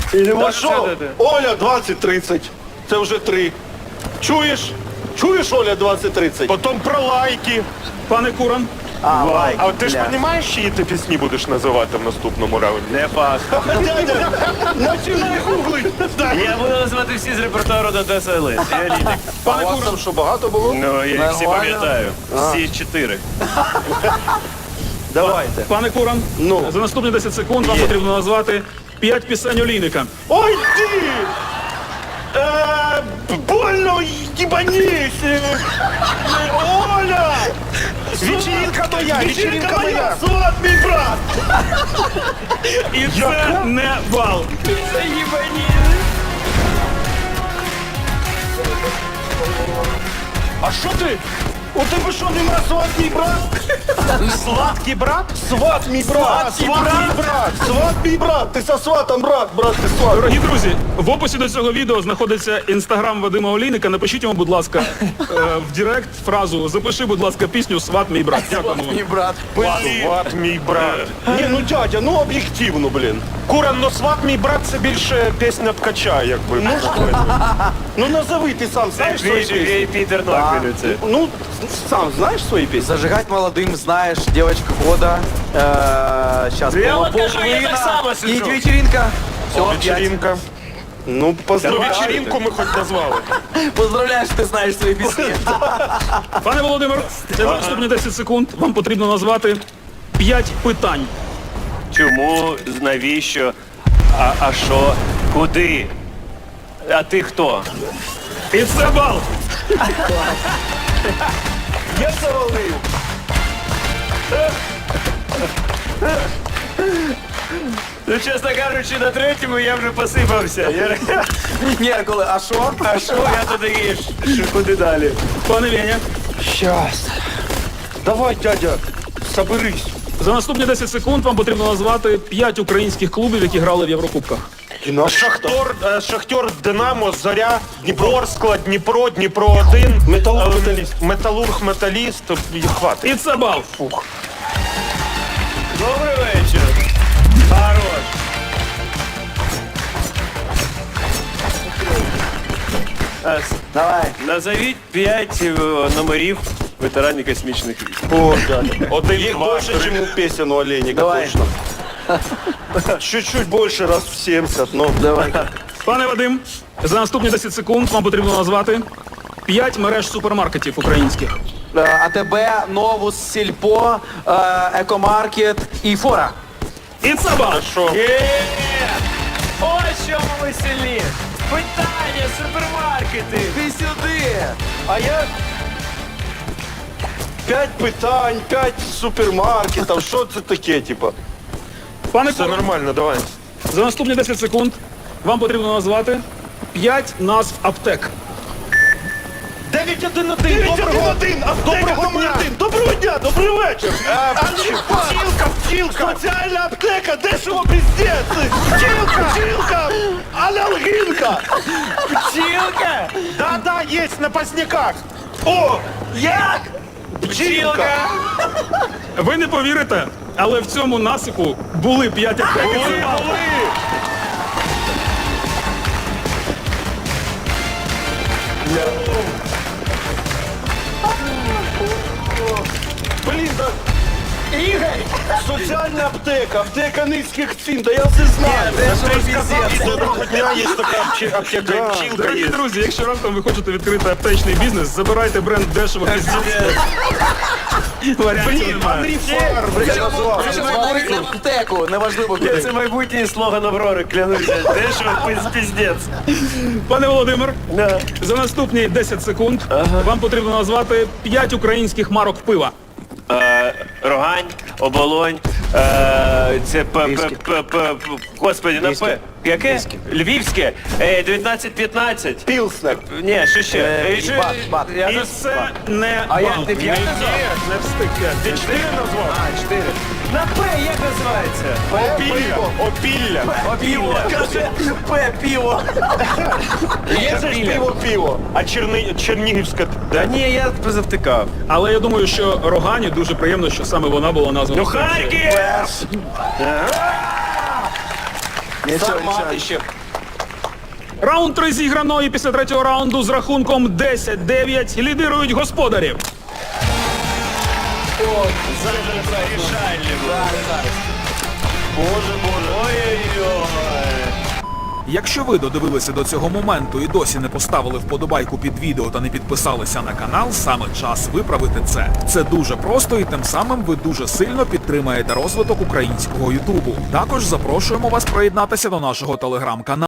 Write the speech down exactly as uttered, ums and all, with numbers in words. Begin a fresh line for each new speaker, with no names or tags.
Та що? Оля двадцять тридцять. Це вже три. Чуєш? Чуєш, Оля двадцять тридцять?
Потім про лайки.
Пане Куран.
А, лайк.
А от ти ж
бля.
розумієш, чиї ти пісні будеш називати в наступному раунді?
Не факт.
Дядя, починай гуглить.
Я буду називати всі з репертуару до Одеса Елит. І Аліни.
А у вас там що, багато було?
Ну, я їх всі
Нормально.
пам'ятаю. Всі чотири.
Давайте.
Пане Куран,
Ну.
за наступні десять секунд вам потрібно назвати п'ять пісень Олійника.
Ой ти! Е, больно їбанісь! Е, Оля!
Вечірка моя, вечірка моя.
Сват мій брат!
І це не бал.
А що ти? У тебе що, нема сват мій брат?
Сладкий брат?
Сват мій брат! Сват мій брат! Сват мій брат! Ти со сватом брат, брат, ти сват!
Дорогі друзі, в описі до цього відео знаходиться інстаграм Вадима Олійника. Напишіть йому, будь ласка, е, в Директ фразу «Запиши, будь ласка, пісню «Сват мій брат». Дякуємо вам.
Мій брат.
Сват мій брат.
Ні, ну дядя, ну об'єктивно, блін.
Куран, ну сват мій брат це більше пісня ткача, якби.
Ну, ну назови, ти сам знаєш свої
Твій
пісні?
і Пітер Ноквілю це.
Ну, сам знаєш свої пісні?
Зажигать молодым, знаешь, девочка года. Сейчас
Я от кажу, я так само
И
сиджу.
вечеринка. Все,
Вечеринка.
Ну,
Ну,
поздравляю.
вечеринку ми хоч назвали.
Поздравляю, что ты знаешь свои песни.
Пане Володимир, це за наступні десять секунд вам потрібно назвати п'ять питань.
Чому, навіщо, а, а що, куди? А ти хто?
І це бал.
Я завалив.
Ну, чесно кажучи, на третьому я вже посипався. Я,
Ні, коли, а що?
а що я туди їш? Що, куди далі?
Пане Веня,
Щас. Давай, дядя, соберись.
за наступні десять секунд вам потрібно назвати п'ять українських клубів, які грали в Єврокубках.
Шахтор, е, Шахтер, Динамо, Зоря, Ворскла, Дніпро, Дніпро один.
Металург,
е,
Металіст.
Металург, Металіст. І хватить.
І це бал.
Добрий вечір. Хорош. А,
Давай.
Назовіть п'ять е, номерів ветеранів космічних військ.
О, дядя.
Один,
Их
два,
больше,
три.
чем у песен у Олейника,
Давай.
точно. Чуть-чуть больше, раз в семьдесят, но...
Давай.
Пане Вадим, за наступні десять секунд вам потрібно назвати п'ять мереж супермаркетів українських.
Е, АТБ, Новус, Сільпо, е, Екомаркет і Фора.
І це бал.
Що?
Ось чому ми сильні. Питання, супермаркети.
Ти сюди.
А я... П'ять питань, п'ять супермаркетів, що це таке, типа?
Пане
Все
Куран,
нормально, давай.
за наступні десять секунд вам потрібно назвати п'ять назв аптек.
дев'ять один один.
Доброго один, доброго дня! Доброго дня, добрий вечір!
Пчілка, пчілка.
Соціальна аптека, дешево піздець! Пчілка! Пчілка! Анальгінка!
Пчілка.
Да-да, є на поздняках.
О!
Як?
Пчілка!
Ви не повірите, але в цьому насипу були п'ять аптек. І це бал.
Блін, да... Ігор! Соціальна аптека, аптека низьких цін, да я все знаю!
І доброго дня, є така апче- аптека, і пчілка
Дорогі
є.
друзі, якщо раптом ви хочете відкрити аптечний бізнес, забирайте бренд дешево піздець. Варіантів немає.
Андрій Фар, блядь, назвав.
Назвали аптеку, неважливо куди.
Це майбутній слоган Аврори, клянуся. Дешево пиз- пиздець.
Пане Володимир,
Да.
за наступні десять секунд вам потрібно назвати п'ять українських марок пива.
Е, Рогань, Оболонь, е, це п, п, п, п, п, господи, на П. Яке? Львівське, е, дев'ятнадцять п'ятнадцять.
Пілснер.
Ні, що ще? Е, що-
бат, бат.
Я
І
не-
це не
А я
бал.
не п'ять
Ні,
назвав?
не встиг п'ять.
Ти чотири назвав? А, чотири. На П як називається?
Опілля, опілля.
Пиво. Каже, П, пиво.
Є же ж пиво-пиво.
А Черни... Чернігівська,
Та
да?
ні, я завтикав.
Але я думаю, що Рогані дуже приємно, що саме вона була названа.
Ну Харків!
Нічого,
Сармат
нічого.
ще.
Раунд три зіграно, і після третього раунду з рахунком десять дев'ять лідирують господарі.
Боже, боже.
Ой-ой-ой.
Якщо ви додивилися до цього моменту і досі не поставили вподобайку під відео та не підписалися на канал, саме час виправити це. Це дуже просто і тим самим ви дуже сильно підтримаєте розвиток українського ютубу. Також запрошуємо вас приєднатися до нашого телеграм-каналу.